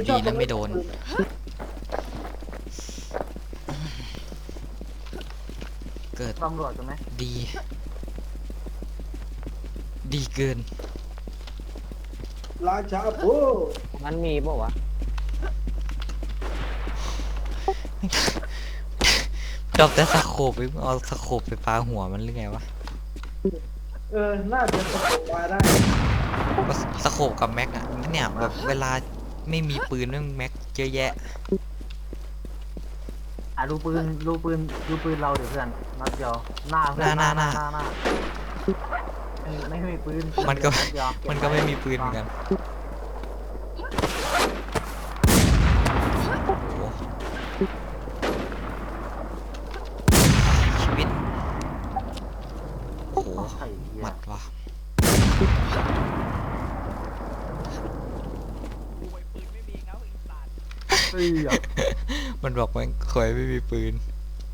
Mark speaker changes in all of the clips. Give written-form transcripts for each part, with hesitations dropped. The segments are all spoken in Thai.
Speaker 1: ดีนะไม่โดนเกิด
Speaker 2: ตำรวจใช่ไหม
Speaker 1: ดีดีเกิน
Speaker 3: ราชาโอ้
Speaker 4: มันมีป่าวะ
Speaker 1: ดอกแต่สโคปไปเอาสโคปไปปาหัวมันหรือไงวะ
Speaker 3: น่าจะสะกดมาได้
Speaker 1: สโคปกับแม็กอะเนี่ยแบบเวลาไม่มีปืนไม่มีแม็กเยอะแยะ
Speaker 2: ดูปืนเราเดี๋ยวเพื่อนนัดเดียวหน้าเพื่อน
Speaker 1: หน้า
Speaker 2: ไม่มีปืน
Speaker 1: มันก็
Speaker 2: นัดเดียว
Speaker 1: มันก็ไม่มีปืนเหมือนกันโอ้ชีวิตโอ้โห
Speaker 2: ไอ้เหี้ย
Speaker 1: หมัดว่ะ
Speaker 2: เฮ้ย
Speaker 1: มันบอกมันเคยไม่มีปืน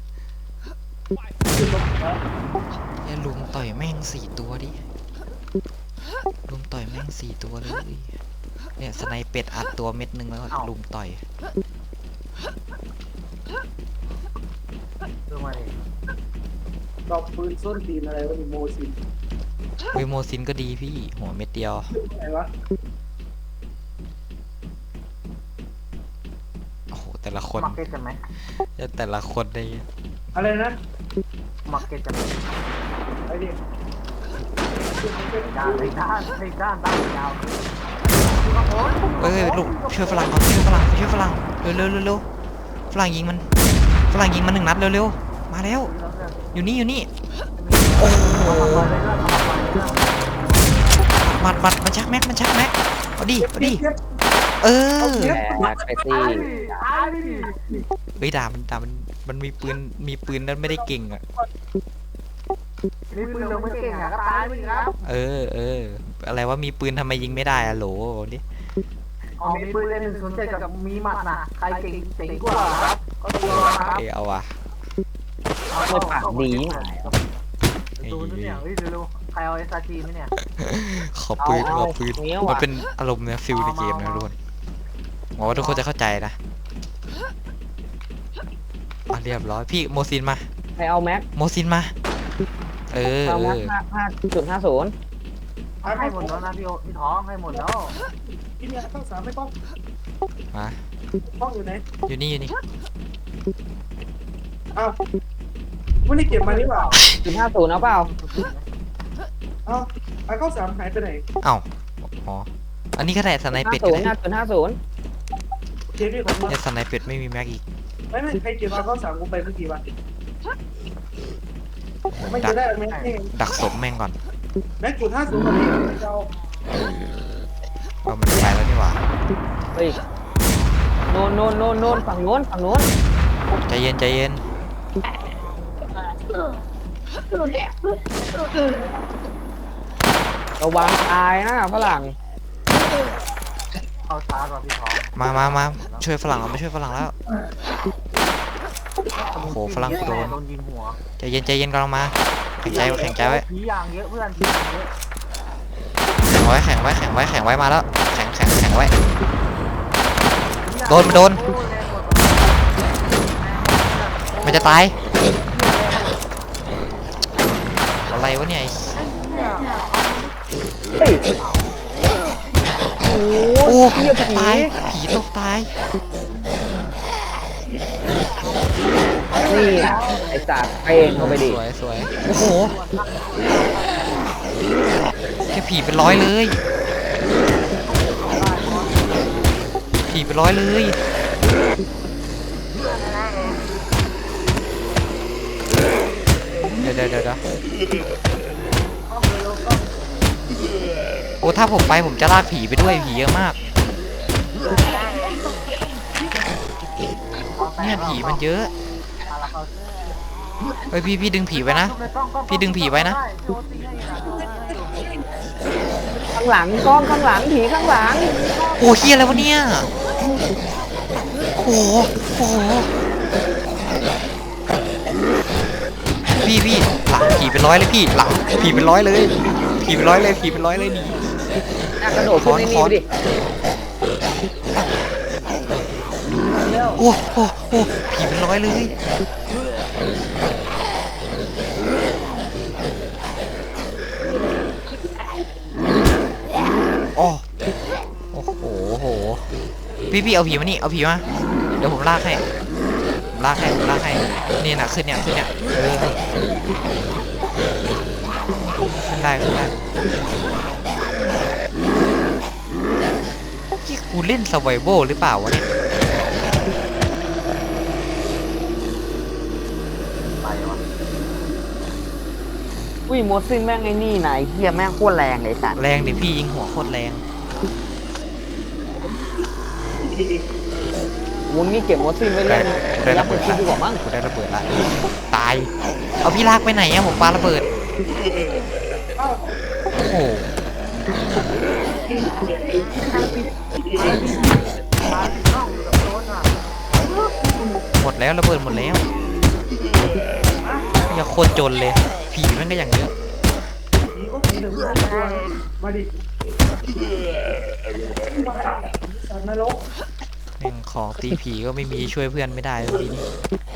Speaker 1: แค่ลุมต่อยแม่ง4 ตัวดิลุมต่อยแม่ง4 ตัวเลยเนี่ยสไนเป็ดอัดตัวเม็ดนึงแล้วก็ลุมต่อย
Speaker 2: ดูมาดิ
Speaker 3: ดอกปืนส้นตีนอะไรวะนี่โมซิน
Speaker 1: วิโมซินก็ดีพี่หัวเม็ดเดียว
Speaker 3: อะไรวะ
Speaker 1: โอ้โหแต่ละคน
Speaker 2: มาร์เก็ตจะไหม
Speaker 1: แต่ละคนได้
Speaker 3: อะไรนะ
Speaker 2: มาร์เก็ตจะไหม
Speaker 3: ไอ้นี่
Speaker 2: ด้านยาว
Speaker 1: เอ้ยลูกช่วยฝรั่งก่อนช่วยฝรั่งเร็วฝรั่งยิงมัน1 นัดเร็วมาแล้วอยู่นี่โอ้มัดมันชักแม็กเอาดิเออ
Speaker 4: แต่ไปตี
Speaker 1: เฮ้ยด่ามันมีปืนนั้นไม่ได้เก่งอ่ะ
Speaker 2: มีปืนเราไม่เก่งก็ตายไปครับ
Speaker 1: เอออะไรว่ามีปืนทำไมยิงไม่ได้อะโหลดิ
Speaker 2: มีปืนเล่น107กับมีหมัดนะใครเก่งกว่าครับก็ตัวครับ
Speaker 1: เอาว่ะ
Speaker 4: ไม่ปากดีหาย
Speaker 2: ดูเนี่ยเฮ้ยเร็วๆใครเอาเอสอาร์จีไหมเนี่ย
Speaker 1: ขอปืน
Speaker 4: เอา เงี้ยวอะ
Speaker 1: มันเป็นอารมณ์เนี่ยฟิลในเกมนะทุกคนหวังว่าทุกคนจะเข้าใจนะเรียบร้อยพี่โมซินมา
Speaker 4: ใครเอาแม็ก
Speaker 1: โมซินมาเออ
Speaker 4: เอาแม็ก5.50
Speaker 2: ให้หมดแล้วนะพี่ท้องให้หมดแล้ว
Speaker 3: ที่เนี่ยข้าวสารไม่ต้อง
Speaker 1: มา
Speaker 3: ต้องอยู่ไหน
Speaker 1: อยู่นี่
Speaker 3: อ้าวไม่ได้เก็บมานี่หว่า
Speaker 4: 50เอาเปล่า
Speaker 3: อ้าวไอ้ข้าวสารหายไปไหน
Speaker 1: เอ้าอ๋ออันนี้ก็ได้สไนเป็ดก็ได้
Speaker 4: 5.50
Speaker 3: เก็บที่ของมึง
Speaker 1: เนี่ยสไนเป็ดไม่มีแม็กอีก
Speaker 3: ไม่ใครเก็บมาข้าวสารกูไปเมื่อกี้วะ
Speaker 1: ผม
Speaker 3: ไม่
Speaker 1: ดั
Speaker 3: จะ
Speaker 1: ก
Speaker 3: ได้ไหมนี่
Speaker 1: ดักศพแม่งก่อน
Speaker 3: แม็กจุด50มาเลยเจ้า
Speaker 1: เอามันไปแล้วนี่หว่า
Speaker 4: เฮ้ยโน่นฝั่งโน้น
Speaker 1: ใจเย็น
Speaker 4: ระวังตายนะฝรั่ง
Speaker 2: เอาช้ากว่าพี่ท้อง
Speaker 1: มาช่วยฝรั่งเราไม่ช่วยฝรั่งแล้วโอ้โหฝรั่งกูโดน
Speaker 2: ยิงหัว
Speaker 1: ใจเย็นกำลังมาแข็งใจไว้
Speaker 2: ผีอย่างเยอะเพื่อนผีอย่างเยอะ
Speaker 1: แข็งไว้มาแล้วแข็งไว้โดนมันจะตายอะไรวะเนี่ย
Speaker 4: เฮ้ยโอ้
Speaker 1: โอ้
Speaker 4: เหี้ย
Speaker 1: จะตายผีตกตาย
Speaker 4: นี่ไอ้สัตว์เป้งเข้าไปดิ
Speaker 1: สวยโอ้โหแค่ผีเป็นร้อยเลยผีเป็นร้อยเลยเดี๋ยวโอ้ถ้าผมไปผมจะลากผีไปด้วยผีเยอะมากเนี่ยผีมันเยอะเฮ้ยพี่ดึงผีไว้นะพี่ดึงผีไว้นะ
Speaker 4: ข้างหลังกล้องข้างหลังผีข้างหลัง
Speaker 1: โอ้เฮียอะไรวะเนี่ยโอ้โหพี่หลังผีเป็นร้อยเลยพี่หลังผีเป็นร้อยเลยผีเป็นร้อยเลยหนี
Speaker 4: กระโดดขึ้นนี่ไปดิ
Speaker 3: แล้ว
Speaker 1: โอ้โอ้โอ้ผีเป็นร้อยเลยโอ้โอ้โหโอ้โหพี่เอาผีมานี่เอาผีมาเดี๋ยวผมลากให้ผมลากให้นี่นะขึ้นเนี่ยขึ้นได้ที่กูเล่นสไวโวหรือเปล่าวะเนี่ย
Speaker 4: อุ้ยโมซินแม่งไอ้นี่ไหนเฮียแม่งโคตรแรงเลยสัตว์
Speaker 1: แรงดิพี่ยิงหัวโคตรแรง
Speaker 4: มึงนี่เก็บโมซินไว้เล่น
Speaker 1: ได้
Speaker 4: ยั
Speaker 1: ระ
Speaker 4: กษ์
Speaker 1: เบิด
Speaker 4: คิดดีกว่ามั้ง
Speaker 1: กูได้ระเบิดละตายเอาพี่ลากไปไหนอะผมปาระเบิดโอ้โหหมดแล้วระเบิดหมดแล้วอย่าโคตรจนเลยผีมันก็อย่างเยอะ
Speaker 3: ผีก็ผีหนึ่งตัวมาดิสัตว์นรก
Speaker 1: แม่งของตีผีก็ไม่มีช่วยเพื่อนไม่ได้เลยทีนี้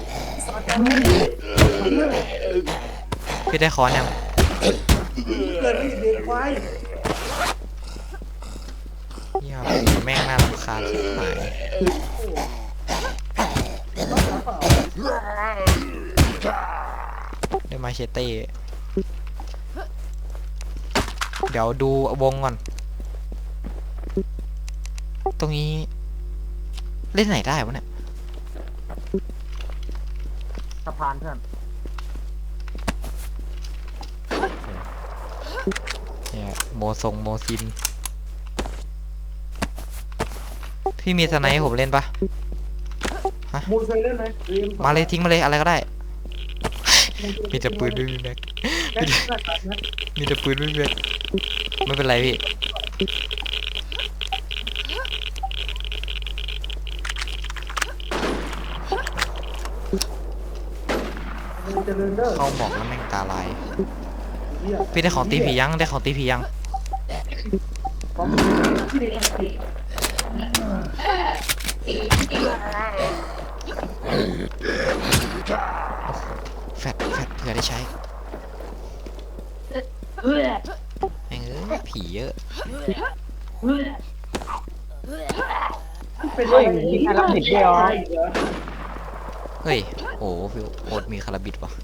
Speaker 1: พี่ได้คอนยัง
Speaker 3: เกิดไม่เด็กควาย
Speaker 1: เหี้ยผีแม่งน่ารำคาญชิบหายได้มาเชเต้เดี๋ยวดูวงก่อนตรงนี้เล่นไหนได้วะเนี่ย
Speaker 2: สะพานเพื่อน
Speaker 1: เนี่ยโมซินพี่มีสไนให้ผมเล่นปะ
Speaker 3: มูลเคยเล่นไหม
Speaker 1: มาเลยทิ้งมาเลยอะไรก็ได้ มีแต่ปืนไม่มีแม็กมีแต่ปืนไม่มีแม็กไม่เป็นไรพี่เข้าหมอกแล้วแม่งตาลายพี่ได้ของตีผียังได้ของตีผียังแฟดเผื่อได้ใช้แม่งผีเยอะ
Speaker 4: เฮ้ยมีใครรับผิดด้วยเหรอ
Speaker 1: เฮ้ยโอ้พี่โอ๊ตมีคาราบิดวะ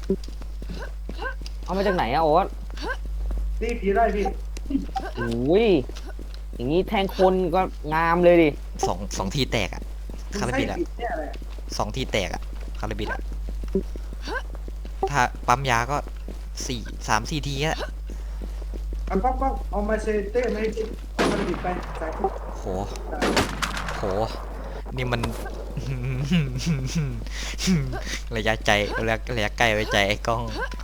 Speaker 4: เอามาจากไหนอะโอ๊ต
Speaker 3: ตีผีได้พี่
Speaker 4: อุ้ยอย่างงี้แทงคนก็งามเลยดิ
Speaker 1: สองทีแตกอะคาราบิดอะ
Speaker 3: เนี่ยแหละ
Speaker 1: 2 ทีแตกอะคาราบิดอะถ้าปั๊มยาก็3-4 ทีอะ
Speaker 3: เอาป้องเอามาเชเต้ไม่ให้มันบิดไปสายปุ๊บ
Speaker 1: โหนี่มัน ระยะใจระยะใกล้ไว้ใจไอ้กล้อง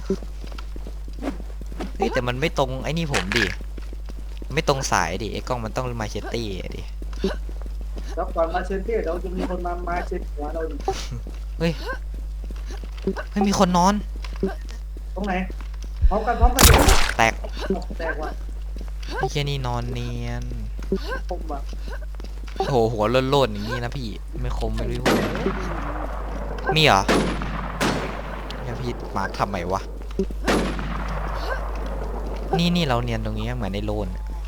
Speaker 1: เฮ้ยแต่มันไม่ตรงไอ้นี่ผมดิไม่ตรงสายดิไอ้กล้องมันต้องมาเชตตี้ดิ
Speaker 3: แล้วก่อนมาเชเต้เดี๋ยวจะมีคนมาเช็ดหัวเรา
Speaker 1: เฮ้ยมีคนนอน
Speaker 3: ตรงไหนพร้อมกัน
Speaker 1: แตก
Speaker 3: แตกว่ะ
Speaker 1: ไอ้แค่นี้นอนเนียน
Speaker 3: ผมว่ะ
Speaker 1: โหหัวโล่นๆอย่างนี้นะพี่ไม่คมไม่รู้มีเหรอเนี่ยพี่มาร์คทำไมวะนี่เราเนียนตรงนี้เหมือนในโลน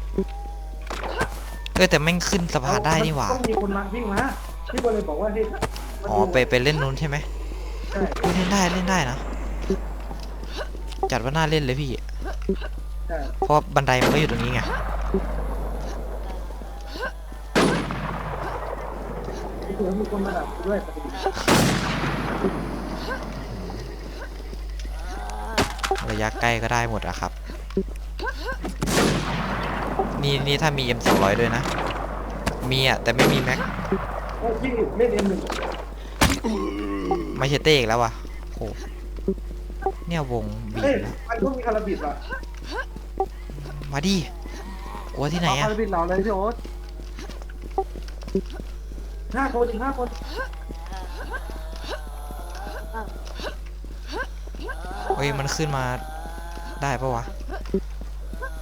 Speaker 1: แต่แม่งขึ้นสะพานได้นี่หว่า
Speaker 3: ต้องมีคนมาวิ่งมาพี่ก็เลยบอกว่าให้
Speaker 1: อ๋อไปเล่นนู้นใช่ไหม
Speaker 3: ใช่
Speaker 1: เล่นได้นะจัดว่าน่าเล่นเลยพี่
Speaker 3: ใช่
Speaker 1: เพราะบันไดมันก็อยู่ตรงนี้ไง
Speaker 3: เดี๋ยวมีคนมาดับด้วยปกติ
Speaker 1: ระยะใกล้ก็ได้หมดอะครับนี่ถ้ามี M200 ด้วยนะมีอะแต่ไม่มีแม็ก
Speaker 3: โอ้พี่เล่นM1
Speaker 1: ไม่ใช่เต้อีกแล้ววะโหเนี่ยวงบีบ
Speaker 3: เฮ้ย
Speaker 1: แล้ว
Speaker 3: มันก็มีคาราบิดว่ะ
Speaker 1: มาดิกลัวที่ไหน
Speaker 2: เอา
Speaker 1: อะ
Speaker 2: คาราบินเราเลยพี่โอ๊ต
Speaker 3: 5 คนอีก 5 คน
Speaker 1: เฮ้ยมันขึ้นมาได้ปะวะ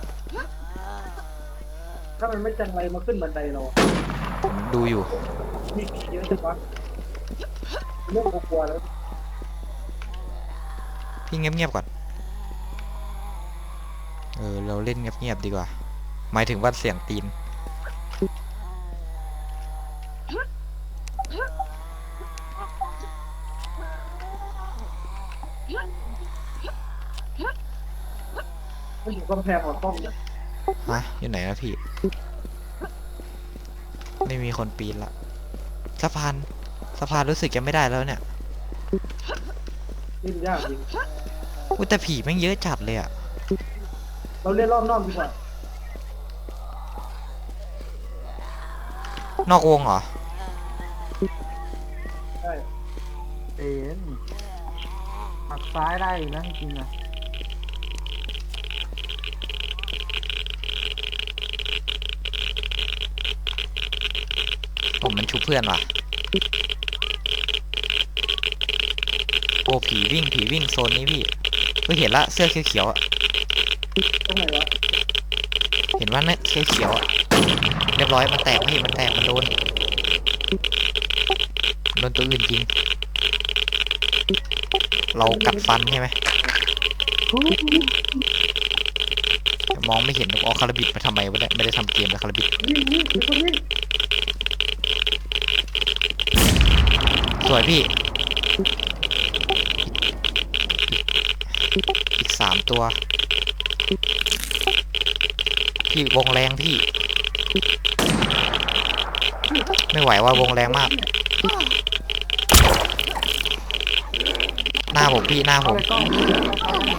Speaker 3: ถ้ามันไม่จังไรมาขึ้นบันไดเรา
Speaker 1: ผมดูอยู่
Speaker 3: มีผีเยอะจังวะเรื่องกลัวแล้ว
Speaker 1: พี่เงียบๆก่อนเราเล่นเงียบๆดีกว่าหมายถึงว่าเสียงตีน
Speaker 3: ไม่อยู่กำแพงหมดป้องเนี่ย
Speaker 1: ฮะอยู่ไหนนะพี่ ไม่มีคนปีนละสะพานรู้สึกจะไม่ได้แล้วเนี่ย
Speaker 3: เล่นยากจริง
Speaker 1: อุ้ยแต่ผีแม่งเยอะจัดเลยอะ
Speaker 3: เราเล่นรอบนอกดีกว่าน
Speaker 1: อกวงเหรอ
Speaker 3: ใช่
Speaker 2: เอ็นหักซ้ายได้อยู่นะจริงๆนะ
Speaker 1: ผมมันชุบเพื่อนว่ะโอ้ผีวิ่งโซนนี้พี่ก็เห็นละเสื้อเขียวๆอะ
Speaker 3: ตรงไหนวะ
Speaker 1: เห็นว่าเนี่ยเสื้อเขียวอะเรียบร้อยมันแตกพี่มันแตกมันโดนตัวอื่นจริง เรากัดฟันใช่ไหมมองไม่เห็นเอาคาราบิดมาทำไมวะเนี่ยไม่ได้ทำเกมแล้วคาราบิด
Speaker 3: วิ่งมีคนวิ่ง
Speaker 1: สวยพี่อีก3 ตัวพี่วงแรงพี่ไม่ไหวว่าวงแรงมากหน้าผมพี่หน้าผม
Speaker 2: เลยก็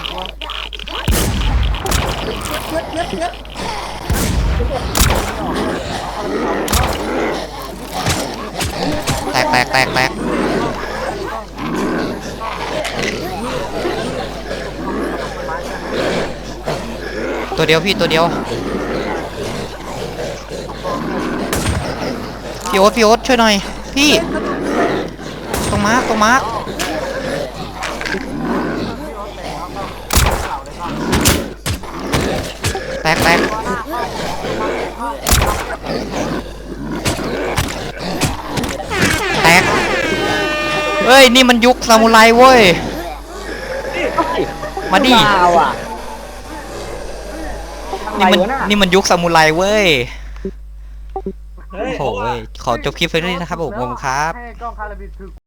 Speaker 1: แตกตัวเดียวพี่ตัวเดียวพี่โอ๊ตช่วยหน่อยพี่ตรงมาร์คแตกเฮ้ยนี่มันยุคซามูไรเว้ยมาดิ
Speaker 4: เปล่าอ่ะ
Speaker 1: นี่มันยุคซามูไรเว้ย
Speaker 3: เฮ้ย
Speaker 1: โอ้โหขอจบคลิปเพียงเท่านี้นะครับผมครับ
Speaker 2: ให้กล้องคาราบิดคือ